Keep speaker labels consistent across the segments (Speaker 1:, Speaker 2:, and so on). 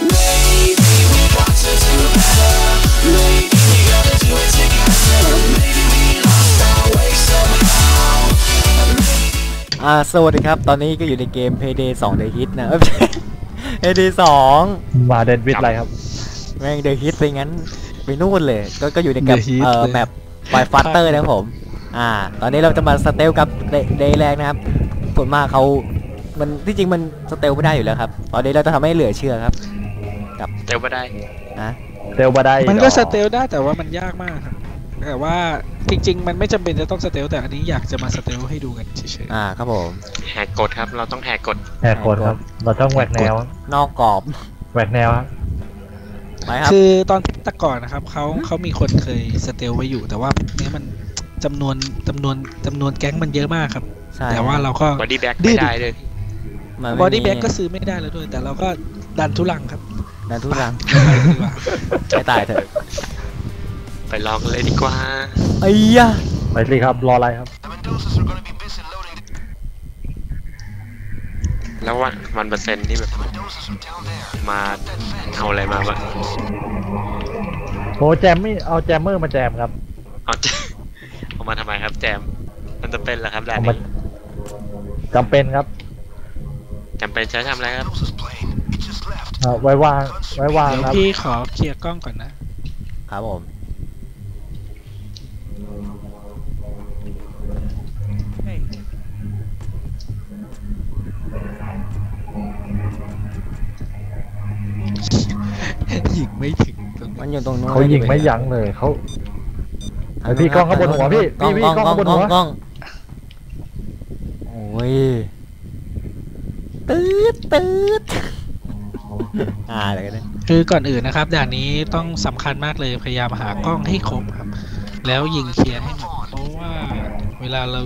Speaker 1: Maybe we got to do better. Maybe we gotta do it together. Maybe we lost our way somehow.
Speaker 2: สวัสดีครับตอนนี้ก็อยู่ในเกม Payday 2 The Hit นะPayday 2
Speaker 3: มาเดนวิดอะไรครับ
Speaker 2: แม่ง The Hit ไปงั้นไปนู่นเลยก็อยู่ในกับแมปไวฟัตเตอร์นะครับผมตอนนี้เราจะมาสเตลกับเดย์แรกนะครับผลมากเขามันที่จริงมันสเตลไม่ได้อยู่แล้วครับตอนนี้เราจะทำให้เหลือเชื่อครับกับ
Speaker 4: สเตลไม่ได้
Speaker 3: สเตลไม่ได้
Speaker 5: มันก็สเตลได้แต่ว่ามันยากมากครับแต่ว่าจริงๆมันไม่จำเป็นจะต้องสเตลแต่อันนี้อยากจะมาสเตลให้ดูกันเฉย
Speaker 2: ๆครับผม
Speaker 4: แหกกฎครับเราต้องแหกกฎ
Speaker 3: ครับเราต้องแหวกแนวน
Speaker 2: อกกรอบ
Speaker 3: แหวกแนวครับ
Speaker 5: คือตอนแต่ก่อนนะครับเขามีคนเคยสเตลไว้อยู่แต่ว่าเนี้ยมันจำนวนแก๊งมันเยอะมากครับแต่ว่าเราก็
Speaker 4: บอดี้แบ็กไม่ได้เลย
Speaker 5: บอดี้แบ็กก็ซื้อไม่ได้แล้วด้วยแต่เราก็ดันทุลังครับ
Speaker 2: ดันทุลังไม่ตายเถอะ
Speaker 4: ไปลองเลยดีกว่า
Speaker 2: ไอ้ยะ
Speaker 3: ไปสิครับรออะไรครับ
Speaker 4: แล้ววันเปอร์เซ็นต์นี่แบบมาเอาอะไรมาบ้าง
Speaker 3: โอ้แจมไม่เอาแจมเมอร์มาแจมครับ
Speaker 4: เอามาทำไมครับแจมมันจะเป็นเหรอครับแดน
Speaker 3: จำเป็นครับ
Speaker 4: จำเป็นใช้ทำอะไรครับ
Speaker 3: ไว้วาง
Speaker 5: เดี๋ยวพี่ขอเคลียร์กล้องก่อนนะครับ
Speaker 2: ผม
Speaker 5: ยิงไม่ถึง
Speaker 2: มันอยู่ตรงนู้น
Speaker 3: เขายิงไม่ยั้งเลยเขาพี่กล้องข้างบนหัวพี่กล้องข้างบนหัว
Speaker 2: โอ้ยตืดอะไรกันเนี่ย
Speaker 5: คือก่อนอื่นนะครับด่านนี้ต้องสำคัญมากเลยพยายามหากล้องให้ครบครับแล้วยิงเคลียร์ให้หมดเพราะว่าเวลาเรา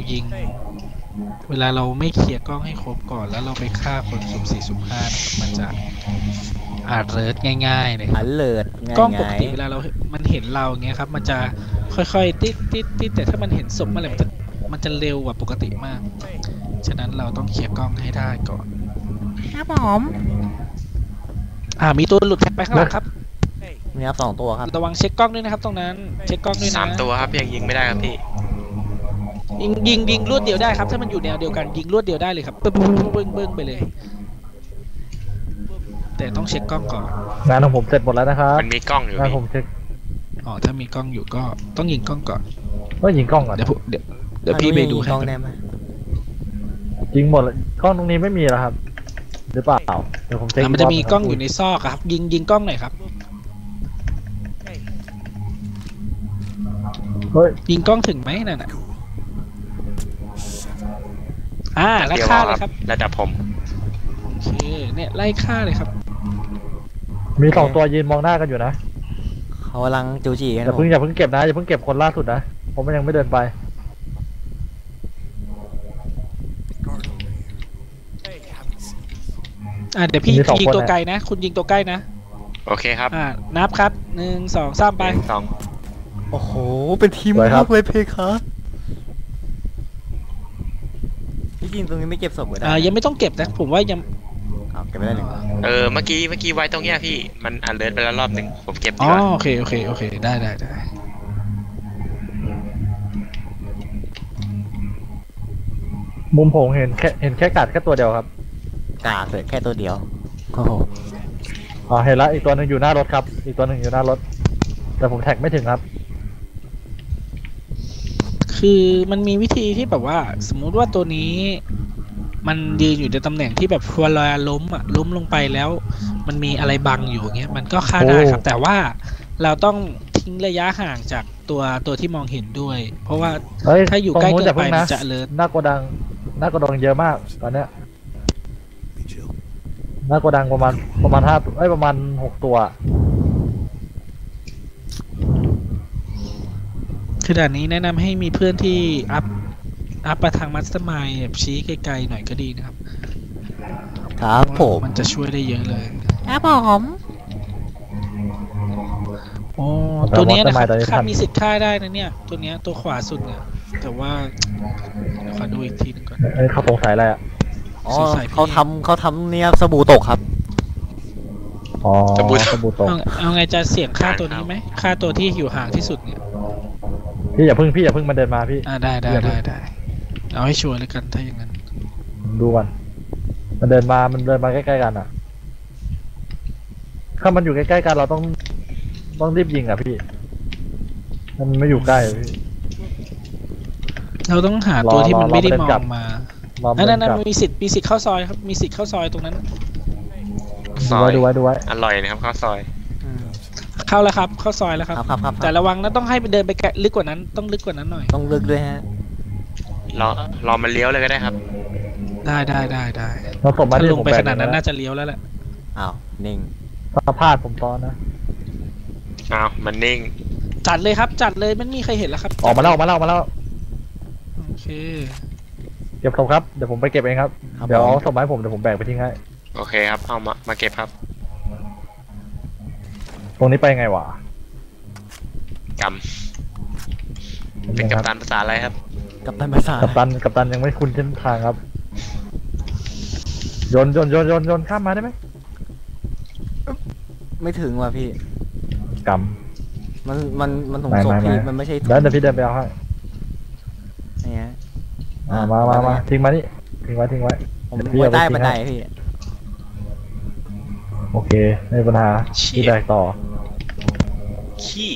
Speaker 5: ไม่เคลียร์กล้องให้ครบก่อนแล้วเราไปฆ่าคนสุ่ม4สุ่ม5มันจะเลิศง่ายๆเลย
Speaker 2: เลิศ
Speaker 5: กล้องปกติเวลามันเห็นเราเงี้ยครับมันจะค่อยๆติดแต่ถ้ามันเห็นศพเมื่อไหร่มันจะเร็วกว่าปกติมากฉะนั้นเราต้องเคลียร์กล้องให้ได้ก่อน
Speaker 2: ครับผม
Speaker 5: มีตัวหลุดไปข้างหลังครับ
Speaker 2: มีครับ2ตัวครับ
Speaker 5: ระวังเช็คกล้องด้วยนะครับตรงนั้นเช็คกล้องด้วยนะ
Speaker 4: 3ตัวครับยังยิงไม่ได้ครับพี่
Speaker 5: ยิงรวดเดียวได้ครับถ้ามันอยู่แนวเดียวกันยิงรวดเดียวได้เลยครับเบิ้งไปเลยแต่ต้องเช็คกล้องก่อน
Speaker 3: งานของผมเสร็จหมดแล้วนะครับ
Speaker 4: มันมีกล้องอยู่
Speaker 3: งานผมเช็ค
Speaker 5: ถ้ามีกล้องอยู่ก็ต้องยิงกล้องก่อน
Speaker 3: ก็ยิงกล้องก่อน
Speaker 5: เดี๋ยวพี่ไปดูให้
Speaker 3: ยิงหมดกล้องตรงนี้ไม่มีแล้วครับหรือเปล่าเดี๋ยวผมเช็ค
Speaker 5: มันจะมีกล้องอยู่ในซอกครับยิงกล้องหน่อยครับยิงกล้องถึงไหมนั่นน่ะไล่ฆ่าเลยครับ
Speaker 4: ระดับผม
Speaker 5: โอเคเนี่ยไล่ฆ่าเลยครับ
Speaker 3: มี2ตัวยืนมองหน้ากันอยู่นะ
Speaker 2: เขากำลังจูจีกัน
Speaker 3: อย่าเพิ่งเก็บนะอย่าเพิ่งเก็บคนล่าสุดนะผมยังไม่เดินไป
Speaker 5: เดี๋ยวพี่ยิงตัวไกลนะคุณยิงตัวใกล้นะ
Speaker 4: โอเคครับ
Speaker 5: นับครับ1 2 3ไป
Speaker 2: โอ้โหเป็นทีมมากเลยเพคะพี่กินตรงนี้ไม่เก็บศพเลย
Speaker 5: ยังไม่ต้องเก็บนะผมว่ายัง
Speaker 2: เก็บไม่ได้หนึ่ง
Speaker 4: เมื่อกี้ไว้ตรงเนี้ยพี่มันเลิศไปแล้วรอบนึงผมเก็บดีกว่า
Speaker 5: โอเคได้
Speaker 3: มุมผมเห็นแค่กัดแค่ตัวเดียวครับ
Speaker 2: กาดเลยแค่ตัวเดียวโอ้โห
Speaker 3: เห็นแล้วอีกตัวนึงอยู่หน้ารถครับอีกตัวนึงอยู่หน้ารถแต่ผมแท็กไม่ถึงครับ
Speaker 5: คือมันมีวิธีที่แบบว่าสมมุติว่าตัวนี้มันยืนอยู่ในตำแหน่งที่แบบเวลาล้มลงไปแล้วมันมีอะไรบังอยู่เงี้ยมันก็ฆ่าได้ครับแต่ว่าเราต้องทิ้งระยะห่างจากตัวที่มองเห็นด้วยเพราะว่าถ้าอยู่ใกล้เกินไปมันจะเลิศ
Speaker 3: หน้าโกดังเยอะมากตอนเนี้ยหน้าโกดังประมาณ5ประมาณ6ตัว
Speaker 5: คือด่านนี้แนะนำให้มีเพื่อนที่อัพไปทางมัสเตอร์มายด์แบบชี้ไกลๆหน่อยก็ดีนะครับมันจะช่วยได้เยอะเลย
Speaker 2: ครับผม
Speaker 5: ตัวนี้นะครับค่ามีสิทธิ์ฆ่าได้นะเนี่ยตัวนี้ตัวขวาสุดเนี่ยแต่ว่าขอดูอีกทีนึงก่อน
Speaker 3: เขาสงสัยอะไรอ่ะ
Speaker 2: เขาทำเนี่ยสบู่ตกครับ
Speaker 3: อ๋อ
Speaker 4: สบู่ตก
Speaker 3: สบู่ตก
Speaker 5: เอาไงจะเสี่ยงฆ่าตัวนี้ไหมฆ่าตัวที่อยู่ห่างที่สุดเนี่ย
Speaker 3: พี่อย่าเพิ่งมาเดินมาพี่
Speaker 5: ได้เอาให้ชัวร์เลยกันถ้าอย่างนั้น
Speaker 3: ผมดูก่อนมันเดินมาใกล้ๆกันอ่ะ ถ้ามันอยู่ใกล้ๆกันเราต้องรีบยิงอ่ะพี่มันไม่อยู่ใกล้อะพี่
Speaker 5: เราต้องหาตัวที่มันไม่ได้มองมา
Speaker 3: รอมั
Speaker 5: นั่น
Speaker 3: กลับ
Speaker 5: มีสิทธิ์เข้าซอยครับมีสิทธิ์เข้าซอยตรงนั้น
Speaker 4: ซอย
Speaker 3: ดูไว้
Speaker 4: อร่อยนะครับข้าวซอย
Speaker 2: อืม
Speaker 5: เข้าแล้วครับเข้าซอยแล้วครับ
Speaker 2: ครับ
Speaker 5: แต่ระวังนะต้องให้ไปเดินไปลึกกว่านั้นต้องลึกกว่านั้นหน่อย
Speaker 2: ต้องลึกด้วยฮะ
Speaker 4: รอมันเลี้ยวเลยก็ได้ครับ
Speaker 5: ได้
Speaker 3: เราส่งมา
Speaker 5: ถ้า
Speaker 3: ที่
Speaker 5: ลง
Speaker 3: ผม
Speaker 5: ไป
Speaker 3: แบ่
Speaker 5: ขนาดนั้น
Speaker 3: นะ
Speaker 5: น่าจะเลี้ยวแล้วแหละ
Speaker 2: อ้าวนิ่ง
Speaker 3: ถ้าพลาดผมตอนนะ
Speaker 4: อ้าวมันนิ่ง
Speaker 5: จัดเลยครับจัดเลยไม่มีใครเห็นแล้วครับ
Speaker 3: ออกมาแล้ว
Speaker 5: โอเค
Speaker 3: เก็บศพครับเดี๋ยวผมไปเก็บเองครับ
Speaker 2: ครับ
Speaker 3: เดี๋ยว
Speaker 2: ผม
Speaker 3: เอาศพมาให้ผมเดี๋ยวผมแบกไปทิ้งให้
Speaker 4: โอเคครับเอามาเก็บครับ
Speaker 3: ตรงนี้ไปไงวะ
Speaker 4: กำเป็นกัปตันภาษาอะไรครับ
Speaker 2: กับตันภาษา
Speaker 3: กัปตันยังไม่คุ้นเส้นทางครับโยนข้ามมาได้ไหม
Speaker 2: ไม่ถึงว่ะพี่
Speaker 3: ก
Speaker 2: มันถุง
Speaker 3: ไม่
Speaker 2: ศพ
Speaker 3: ไม่
Speaker 2: พี่
Speaker 3: ไม่
Speaker 2: มันไม่ใช่
Speaker 3: ำ
Speaker 2: ถุง
Speaker 3: แล้วเดี๋ยวพี่เดินไปเอาให้
Speaker 2: เนี่ย
Speaker 3: มาทิ้งมานี่ทิ้งไว้
Speaker 2: ผม
Speaker 3: เดี๋ยวพี่
Speaker 2: ไว้
Speaker 3: เอาไป
Speaker 2: ใต้
Speaker 3: ทิ้ง
Speaker 2: บันได
Speaker 3: ให้
Speaker 2: พี่
Speaker 3: โอเคไม่มีปัญหาพี่แบกต่อ
Speaker 4: ขี้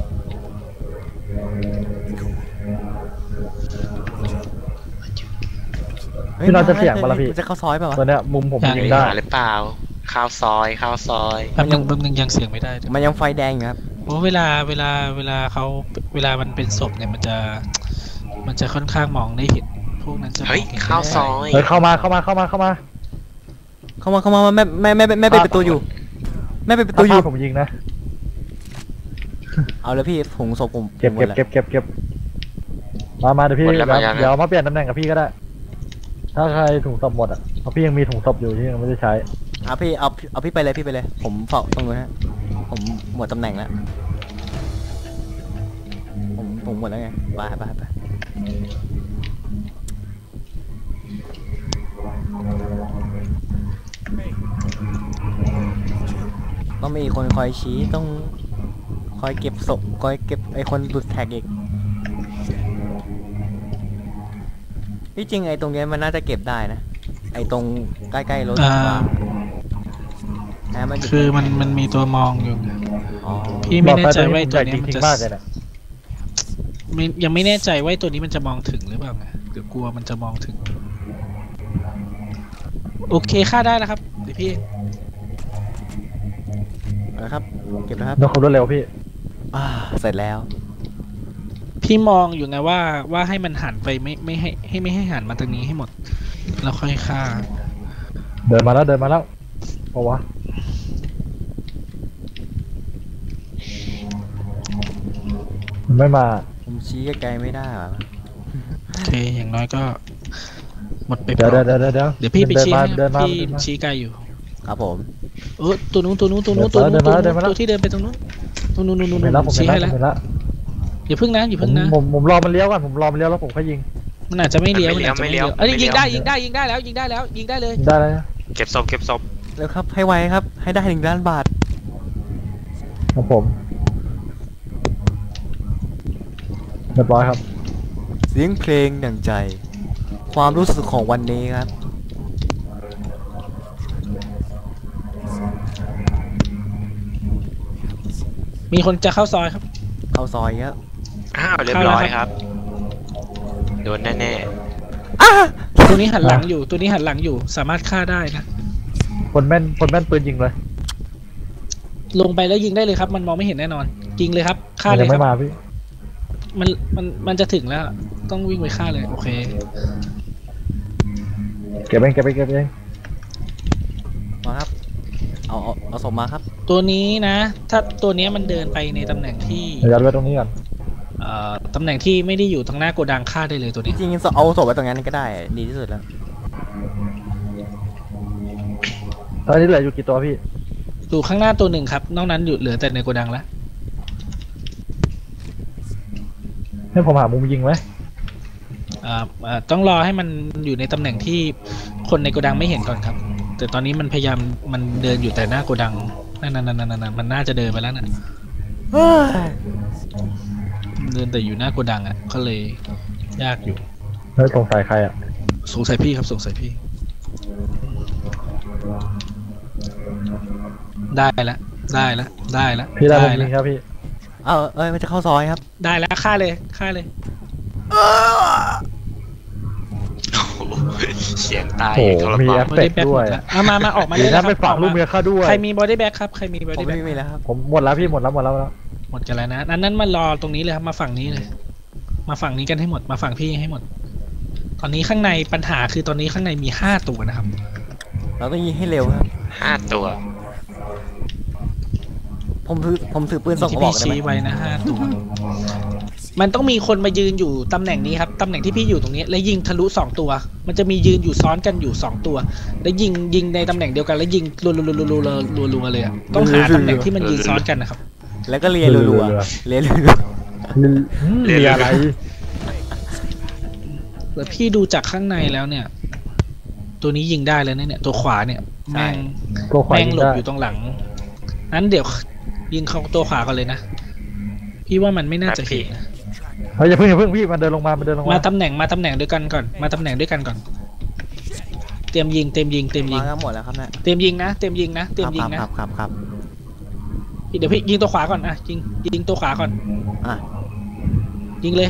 Speaker 3: พี่น้องจะเสี่ยงปะล่ะพี่
Speaker 2: มันจะเข้าซอยเปล่าวะ
Speaker 3: ตัวเนี้ยมุมผม
Speaker 5: อยาก
Speaker 3: ยิงได้
Speaker 4: หรือเปล่าข้าวซอย
Speaker 5: แป๊บนึงยังเสียงไม่ได้
Speaker 2: มันยังไฟแดงอยู่ครับ
Speaker 5: เพราะเวลาเขาเวลามันเป็นศพเนี่ยมันจะค่อนข้างมองได้เห็นพวกนั้นจะมอง
Speaker 4: เฮ้ย
Speaker 5: ห็น
Speaker 4: ข้าวซอย
Speaker 3: เฮ้ยเข้ามา
Speaker 2: เข้ามาแม่ปิดประตูอยู่แม่ปิดประตูอยู่
Speaker 3: ถ้าผมยิงนะ
Speaker 2: เอาเลยพี่ถุงศพผม
Speaker 3: เก็บ
Speaker 2: หมดแล้ว
Speaker 3: มาเดี๋ยวพี่
Speaker 4: หมดแล้วมายัง
Speaker 3: เดี๋ยวมาเปลี่ยนตำแหน่งกับพี่ก็ได้ ถ้าใครถุงศพหมดอ่ะเพราะพี่ยังมีถุงศพอยู่ที่ยังไม่ได้ใช้
Speaker 2: พี่เอาพี่ไปเลยผมเฝ้าตรงนู้นฮะผมหมดตำแหน่งแล้วผมหมดแล้วไงไปต้องมีคนคอยชี้ต้องคอยเก็บศพคอยเก็บไอคนหลุดแท็กอีกที่จริงไอตรงเนี้ยมันน่าจะเก็บได้นะไอตรงใกล้ๆรถ
Speaker 5: อ่า
Speaker 2: มันอยู่
Speaker 5: คือมันมีตัวมองอยู่
Speaker 2: อ๋อ
Speaker 5: พี่ไม่แน่ใจว่าไอ้ตัว
Speaker 3: จ
Speaker 5: นี้มัน
Speaker 3: ริง
Speaker 5: จะ
Speaker 3: ๆมากเลยนะ
Speaker 5: ยังไม่แน่ใจว่าไอ้ตัวนี้มันจะมองถึงหรือเปล่าไงเดี๋ยวกลัวมันจะมองถึง โอเคค่าได้แล้วครับเดี๋ยวพี่
Speaker 2: นะครับเก็บนะครับ
Speaker 3: น้องขับรถเร็วพี่
Speaker 2: เสร็จแล้ว
Speaker 5: พี่มองอยู่ไงว่าให้มันหันไปไม่ให้หันมาตรงนี้ให้หมดแล้วค่อยฆ่า
Speaker 3: เดินมาแล้วเพราะวะมันไม่มา
Speaker 2: ผมชี้ไกลๆไม่ได้หรอ
Speaker 5: โอเคอย่างน้อยก็หมดไป
Speaker 3: เดี๋ยว
Speaker 5: เดี๋ยวพี่ไปชี้ให้
Speaker 3: เดินมา
Speaker 5: พี่ชี้ไกลอยู่
Speaker 2: ครับผม
Speaker 5: ตัวนู้นตัวที่เดินไปตรงนู้นนู่น
Speaker 3: เห็นแล้วผม
Speaker 5: ชี้
Speaker 3: เห็น
Speaker 5: ให้
Speaker 3: แล้
Speaker 5: แล้ว ว
Speaker 3: เห็นแล้ว
Speaker 5: อย่าพึ่งนะ
Speaker 3: ผมรอมันเลี้ยวก่อนผมรอมันเลี้ยวแล้วผมค่อยยิง
Speaker 5: มันอาจจะไม่เลี้ยว
Speaker 4: ไม่เลี้ยว
Speaker 5: เอ้ย
Speaker 4: ไม่เลี้
Speaker 5: ยิ
Speaker 4: ยว
Speaker 5: งได้แล้วยิงได้เลย
Speaker 3: ได้แล้วนะ
Speaker 4: เก็บศพ
Speaker 2: แล้วครับให้ไวครับ ให้ได้1 ล้านบาท
Speaker 3: ครับผมเรียบร้อยครับ
Speaker 2: เสียงเพลงดั่งใจ ความรู้สึกของวันนี้ครับ
Speaker 5: มีคนจะเข้าซอยครับ
Speaker 2: เข้าซอยครับ
Speaker 4: อ้าวเรียบร้อยครับ โดนแน่
Speaker 5: ตัวนี้หันหลังอยู่สามารถฆ่าได้นะ
Speaker 3: คนแม่นปืนยิงเลย
Speaker 5: ลงไปแล้วยิงได้เลยครับ มันมองไม่เห็นแน่นอนยิงเลยครับฆ่า
Speaker 3: มัน
Speaker 5: เล
Speaker 3: ยั
Speaker 5: ย
Speaker 3: ง
Speaker 5: ค
Speaker 3: ไม่
Speaker 5: รับ
Speaker 3: มาพี่
Speaker 5: มันจะถึงแล้วต้องวิ่งไปฆ่าเลยโอเค
Speaker 3: เก็บเอง
Speaker 2: มาครับ เอาศพมาครับ
Speaker 5: ตัวนี้นะ ถ้าตัวนี้มันเดินไปในตำแหน่งที่
Speaker 3: เดี๋ยวยัดไว้ตรงนี้ก่อน
Speaker 5: ตำแหน่งที่ไม่ได้อยู่ทางหน้าโกดังฆ่าได้เลยตัว
Speaker 2: จ
Speaker 5: นี้
Speaker 2: ริงๆเอาศพไว้ตรงนั้นก็ได้ ดีที่สุดแล้ว
Speaker 3: ตอนนี้เหลืออยู่กี่ตัวพี่
Speaker 5: อยู่ข้างหน้าตัวหนึ่งครับนอกนั้นอยู่เหลือแต่ในโกดังแล้ว
Speaker 3: ให้ผมหามุมยิงไหม
Speaker 5: ต้องรอให้มันอยู่ในตำแหน่งที่คนในโกดังไม่เห็นก่อนครับ แต่ตอนนี้มันพยายามมันเดินอยู่แต่หน้าโกดังนั่นมันน่าจะเดินไปแล้วน่ะ
Speaker 2: เฮ้ย
Speaker 5: เดินแต่อยู่หน้าโกดังอ่ะก็เลยยากอยู่
Speaker 3: เฮ้ยสงสัยใครอ่ะ
Speaker 5: สงสัยพี่ครับสงสัยพี่ ได้แล้ว
Speaker 3: พี่ได้ผม
Speaker 5: แล้
Speaker 3: ยิ
Speaker 5: ว
Speaker 3: งครับพี่
Speaker 2: มันจะเข้าซอยครับ
Speaker 5: ได้แล้วฆ่าเลย
Speaker 4: โอ้โหเสียงตาย
Speaker 3: โอ้โห
Speaker 4: ทร
Speaker 3: มี
Speaker 4: มา
Speaker 3: แอน ป
Speaker 5: บอ
Speaker 3: เฟ
Speaker 5: ดี้
Speaker 3: ก
Speaker 5: แบ็ก
Speaker 3: ด้วย
Speaker 5: มาออกมา
Speaker 3: ดี
Speaker 5: เลย
Speaker 3: นะ
Speaker 5: นะค
Speaker 3: ไป
Speaker 5: รับ
Speaker 3: ฝากลูกเมียข้าด้วย
Speaker 5: ใครมีบอดี้แบ็กครับใครมีบอ
Speaker 2: ผม
Speaker 5: ดี้แบ็ก
Speaker 2: ไม่มีแล้วครับ
Speaker 3: ผมหมดแล้วพี่หมดแล้ว
Speaker 5: หมดกันแล้วนะนั้นมารอตรงนี้เลยครับมาฝั่งนี้เลย มาฝั่งนี้กันให้หมดมาฝั่งพี่ให้หมด ตอนนี้ข้างในปัญหาคือตอนนี้ข้างในมี5 ตัวนะครับ
Speaker 2: เราต้องยิงให้เร็วครับ
Speaker 4: 5 ตัว
Speaker 2: ผมถือปืนส่งก
Speaker 5: ที่
Speaker 2: ระบอก
Speaker 5: พี่
Speaker 2: ได้ไหม
Speaker 5: ชี้ไว้นะ5 ตัว มันต้องมีคนมายืนอยู่ตำแหน่งนี้ครับตำแหน่งที่พี่อยู่ตรงนี้ แล้วยิงทะลุ2 ตัว มันจะมียืนอยู่ซ้อนกันอยู่2 ตัว แล้วยิงในตำแหน่งเดียวกันแล้วยิงรัวเลยอะต้องหาตำแหน่งที่มันยืนซ้อนกันนะครับ
Speaker 2: แล้วก็เลียรัวๆเลียรัว
Speaker 3: เรียอะไร
Speaker 5: แล้วพี่ดูจากข้างในแล้วเนี่ย ตัวนี้ยิงได้แล้วเนี่ยตัวขวาเนี่ยแม่ง
Speaker 3: ตัวขวา
Speaker 5: แม่ง
Speaker 3: ยิง
Speaker 5: หลบ
Speaker 3: ได้
Speaker 5: อยู่ตรงหลังนั้นเดี๋ยวยิงเข้าตัวขวาก่อนเลยนะพี่ว่ามันไม่น่าจะเห็นนะ
Speaker 3: เฮ้ยอย่าเพิ่งพี่มันเดินลงมา
Speaker 5: มาตำแหน่งด้วยกันก่อนมาตำแหน่งด้วยกันก่อนเตรียมยิง
Speaker 2: ๆมากันหมดแล้วครับเนี่ย
Speaker 5: เตรียมยิงนะเตรียมยิงนะ
Speaker 2: ครับ
Speaker 5: เดี๋ยวพี่ยิงตัวขวาก่อนอ่ะยิงตัวขวาก่อน
Speaker 2: อ่ะ
Speaker 5: ยิงเลย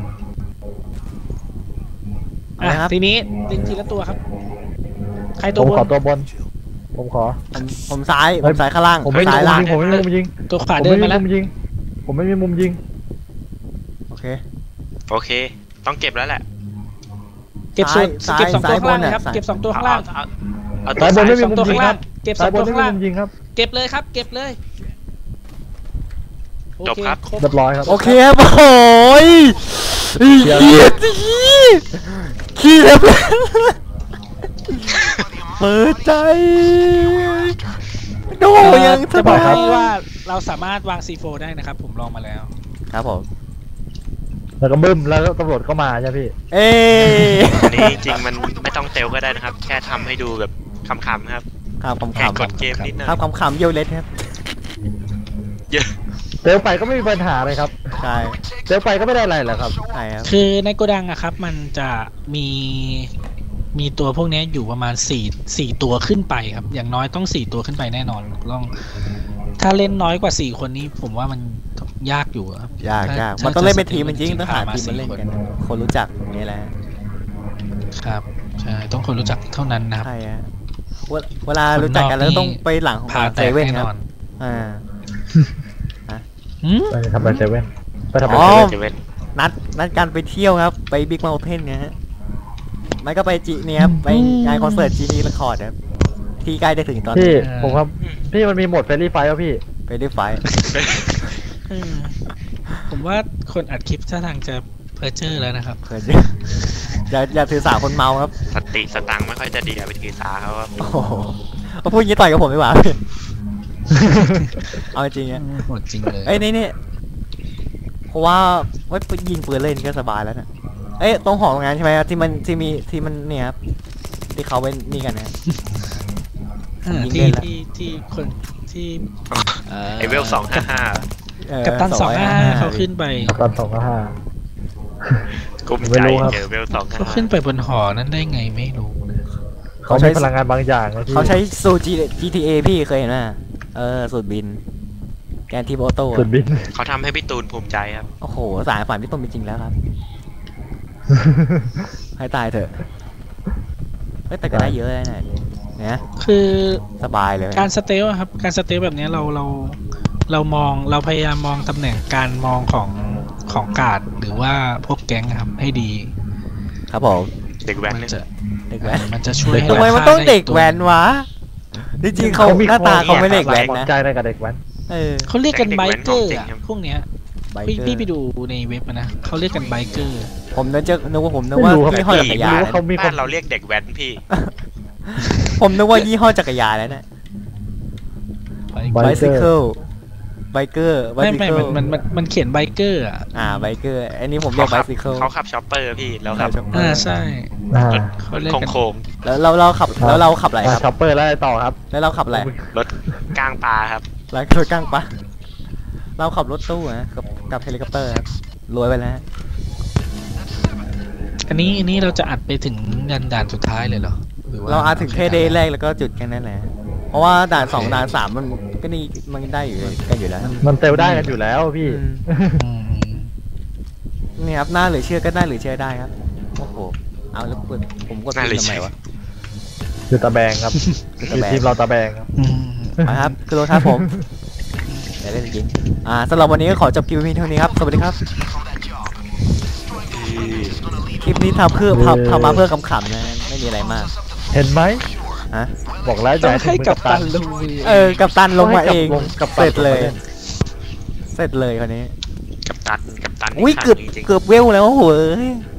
Speaker 2: เอาเลยครับ
Speaker 5: ทีนี้ยิงทีละตัวครับ ใคร
Speaker 3: ผ
Speaker 5: ตัว
Speaker 3: ม
Speaker 5: บน
Speaker 3: ขอตัวบน ผมขอ
Speaker 2: ผมซ้ายข้างล่าง
Speaker 3: ผมไม่มี
Speaker 2: ซ้าย
Speaker 3: มุม
Speaker 2: ล่าง
Speaker 3: ยิงผมไม่มีมุมยิง
Speaker 5: ตัวขวาเดินมาแล้ว
Speaker 3: ผมไม่มีมุมยิง
Speaker 2: โอเค
Speaker 4: โอเค ต้องเก็บแล้วแหละ
Speaker 5: เก็บส่วน
Speaker 2: ซ้าย
Speaker 5: เก็บ2 ตัว
Speaker 2: ซ้าย
Speaker 5: ข้างล่าง
Speaker 2: บนน่ะ
Speaker 5: นะครับ
Speaker 2: ซ้าย
Speaker 5: เก็บ2 ตัวข้างล่าง
Speaker 4: เอา
Speaker 3: ซ้ายบนไม่มี
Speaker 5: สอง
Speaker 3: มุม
Speaker 5: ตัว
Speaker 3: ยิ
Speaker 5: ข้าง ง
Speaker 3: ค
Speaker 5: ล่า
Speaker 3: รั
Speaker 5: ง
Speaker 3: บ
Speaker 5: เก็บ
Speaker 3: ซ้าย
Speaker 5: 2
Speaker 3: บน
Speaker 5: ตัว
Speaker 3: ไม่
Speaker 5: ข้าง
Speaker 3: มี
Speaker 5: ล่าง
Speaker 3: มุมยิงครับ
Speaker 5: เก็บเลยครับเก็บเลยโอ
Speaker 4: จบ
Speaker 5: เค
Speaker 4: ครับ
Speaker 5: ครบ
Speaker 3: เรียบร้อยครับ
Speaker 2: โอเคครับโอ้ยขี้แล้วเปิดใจโดยังส
Speaker 5: จะบอก
Speaker 2: บาย
Speaker 5: ให้ว่าเราสามารถวาง C4 ได้นะครับ ผมลองมาแล้ว
Speaker 2: ครับผม
Speaker 3: แล้วก็บึ้มแล้วตำรวจก็มาใช่พี่
Speaker 2: เอ้
Speaker 4: อันนี้จริงๆมันไม่ต้องเตลก็ได้นะครับ แค่ทำให้ดูแบบขำๆครับ
Speaker 2: ครับข
Speaker 4: แค่
Speaker 2: ำ
Speaker 4: กดเกมนิดหน่อย
Speaker 2: ครับขำๆเยี่ยวเล็ดครับ
Speaker 4: เยอะ
Speaker 3: เตลไปก็ไม่มีปัญหาเลยครับ
Speaker 2: ใช่
Speaker 3: เตลไปก็ไม่ได้อะไรแหละครับ
Speaker 2: ใช่ครับ
Speaker 5: คือในโกดังอะครับ มันจะมีตัวพวกนี้อยู่ประมาณ4ตัวขึ้นไปครับ อย่างน้อยต้อง4ตัวขึ้นไปแน่นอนถ้าเล่นน้อยกว่า4คนนี้ผมว่ามันยากอยู่ครับ
Speaker 2: ยาก
Speaker 5: ถ้
Speaker 2: มันต้องเล่นเป็นทีม
Speaker 5: จะ
Speaker 2: จริงๆต้องหา
Speaker 5: มา
Speaker 2: ทีมมาเล่นกัน
Speaker 5: 4
Speaker 2: คนรู้จักอย่างนี่แหละ
Speaker 5: ครับใช่ต้องคนรู้จักเท่านั้นนะครับ
Speaker 2: ใช่ฮะเวลารู้จักกันแล้วต้องไปหลังของ
Speaker 5: พา
Speaker 2: เซ
Speaker 5: แตก
Speaker 2: เว่น
Speaker 5: แน่
Speaker 2: คน รับ
Speaker 5: อน
Speaker 2: อ่า
Speaker 5: หืม
Speaker 3: ไปทำอะไรเซเว่นไปทำอะไร
Speaker 2: อ๋อ
Speaker 3: เซเว่น
Speaker 4: เจะเว้น
Speaker 2: นัดกันไปเที่ยวครับ ไปบิ๊กเมลเทนนะฮะไม่ก็ไปจีเนี่ยครับไปงานคอนเสิร์ตจีนีเรคคอร์ดครับที่ใกล้จะถึงตอน
Speaker 3: พี่
Speaker 2: นี้
Speaker 3: ผมครับพี่มันมีโหมดเฟรนลี่ไฟแล้วพี่
Speaker 2: ไปได้ไฟท์
Speaker 5: ผมว่าคนอัดคลิปท่าทางจะเพอเจอร์แล้วนะครับ
Speaker 2: เขินอย่าถือสาคนเมาครับ
Speaker 4: สติสตังค์ไม่ค่อยจะดีอะไปถือสาเขาครับ
Speaker 2: โอ้โหเอาพูดอย่างนี้ต่อยกับผมดีกว่า เอาจริงๆอ่ะ
Speaker 5: หมดจริงเลย
Speaker 2: เอ้ยนี่เพราะว่ายิงปืนเล่นก็สบายแล้วนะเอ้ยตรงหอตรงนั้นใช่ไหมครับที่มันเนี่ยครับที่เขาเป็นนี่กันนะ ยิงเล่
Speaker 5: ที่
Speaker 2: นละ
Speaker 5: ที่คนที่
Speaker 4: ไอเวล255
Speaker 5: กัปตัน255เขาขึ้นไป
Speaker 3: ตอน2-5
Speaker 4: กลุ้ม
Speaker 3: ไม่
Speaker 4: ใจ
Speaker 3: รู้ครับ
Speaker 4: เจอเวล
Speaker 5: เขาขึ้น
Speaker 4: 255
Speaker 5: ไปบนหอนั้นได้ไงไม่รู้นะ
Speaker 3: เขาใช้พลังงานบางอย่างนะพี่
Speaker 2: เขาใช้สูตร GTA พี่เคยเห็นไหมสูตรบิน แกนทีมออโต้
Speaker 3: สุดบิน
Speaker 4: เขาทำให้พี่ตูนภูมิใจครับ
Speaker 2: โอ้โหสายฝันพี่ต้นเป็นจริงแล้วครับ ให้ตายเถอะเฮ้ยแต่ก็ได้เยอะเลยนะเนี่ย
Speaker 5: คือ
Speaker 2: สบายเลย
Speaker 5: การสเตลอะครับการสเตลแบบเนี้ยเราพยายามมองตำแหน่งการมองของการ์ดหรือว่าพวกแก๊งอะครับให้ดี
Speaker 2: ครับผม
Speaker 4: เด็กแว้น
Speaker 5: มั
Speaker 4: เนี่ย
Speaker 5: จะ
Speaker 2: เด็กแว้น
Speaker 5: มันจะช่วยให้
Speaker 2: ทำไมมันต้อง
Speaker 5: ราคา
Speaker 2: เด็ก
Speaker 5: ไตัว
Speaker 2: แว้นวะจริงๆเขาหน้าตาเขาไม่เด็กแว้น
Speaker 3: หวัง
Speaker 2: นะ
Speaker 3: ใจได้กับเด็กแว้น
Speaker 5: เขาเรียกกันไบเกอร์อะพวกเนี้ย
Speaker 2: ไบ
Speaker 5: พี่
Speaker 2: เกอ
Speaker 5: พี่ไป
Speaker 2: ร์
Speaker 5: ดูในเว็บอะนะเขาเรียกกันไบเกอร์
Speaker 2: ผมนึกว่ายี่ห้อจักรยาน
Speaker 3: ไม่รู้เขามีค
Speaker 4: บ้าน นเราเรียกเด็กแว้นพี่
Speaker 2: ผมนึกว่ายี่ห้อจักรยานแล้วนะ
Speaker 3: ไบ
Speaker 2: ไบ
Speaker 3: เก
Speaker 2: ซิ
Speaker 3: อร์
Speaker 2: เคิลไบเกอร์ไบ
Speaker 5: ไม่
Speaker 2: ซิ
Speaker 5: ไม่
Speaker 2: เคิล
Speaker 5: มันเขียนไบเกอร์อะ
Speaker 2: ไบเกอร์อันนี้ผมเรียกไบซิเคิล
Speaker 4: เขาขับช็อปเปอร์พี่แล้วครับ
Speaker 5: ใช่
Speaker 3: อ่า
Speaker 5: เขาเรียกกัน
Speaker 4: โค้ง
Speaker 2: แล้วเราขับอะไรครับ
Speaker 3: ช็อปเปอร์แล้วอะไรต่อครับ
Speaker 2: แล้วเราขับอะไร
Speaker 4: ๆรถกลางป่าครับ
Speaker 2: ร้านรถกลางปะเราขับรถตู้นะกับเฮลิคอปเตอร์ครับรวยไปแล้ว
Speaker 5: อันนี้เราจะอัดไปถึงด่านสุดท้ายเลยเหรอหว่
Speaker 2: เราอาจถึงแค่เดย์แรกแล้วก็จุดแค่นั้นแหละเพราะว่าด่าน2ด่าน3มันก็นี่มันได้อยู่กันอยู่แล้ว
Speaker 3: มันเซลได้กันอยู่แล้วพี่
Speaker 5: อืม
Speaker 2: นี่ครับหน้าหรือเชื่อก็ได้หรือเชื่อได้ครับโอ้โหเอาแล้วผมกด
Speaker 4: น่าเหลื
Speaker 2: ทำ
Speaker 4: อ
Speaker 2: ไม
Speaker 4: เชื่อ
Speaker 2: วะ
Speaker 3: คือตะแบงครับ
Speaker 2: คือตะ
Speaker 3: คือ
Speaker 2: แบง
Speaker 3: ทีมเราตะแบงครับ
Speaker 5: อืม
Speaker 2: มาครับคือรถครับผมเดี๋ยวเล่นจริงสำหรับวันนี้ก็ขอจบคลิปเพียงเท่านี้ครับสวัสดีครับคลิปนี้ทำมาเพื่อขำๆนะไม่มีอะไรมาก
Speaker 3: เห็นไหม
Speaker 2: ฮะ
Speaker 3: บอกแล้ว
Speaker 5: ต้อง
Speaker 3: จะ
Speaker 5: ให้
Speaker 3: ถึงมือ
Speaker 5: กับตันลง
Speaker 2: กับตันลงมาเอง
Speaker 3: กับ
Speaker 2: เสร็จเลย
Speaker 3: ตัน
Speaker 2: เสร็จเลยคราวนี้
Speaker 4: กับตันนี่
Speaker 2: อุ้ย
Speaker 4: ขาด
Speaker 2: เกือบ
Speaker 4: จริงๆ
Speaker 2: เกือบเวลแล้วโหย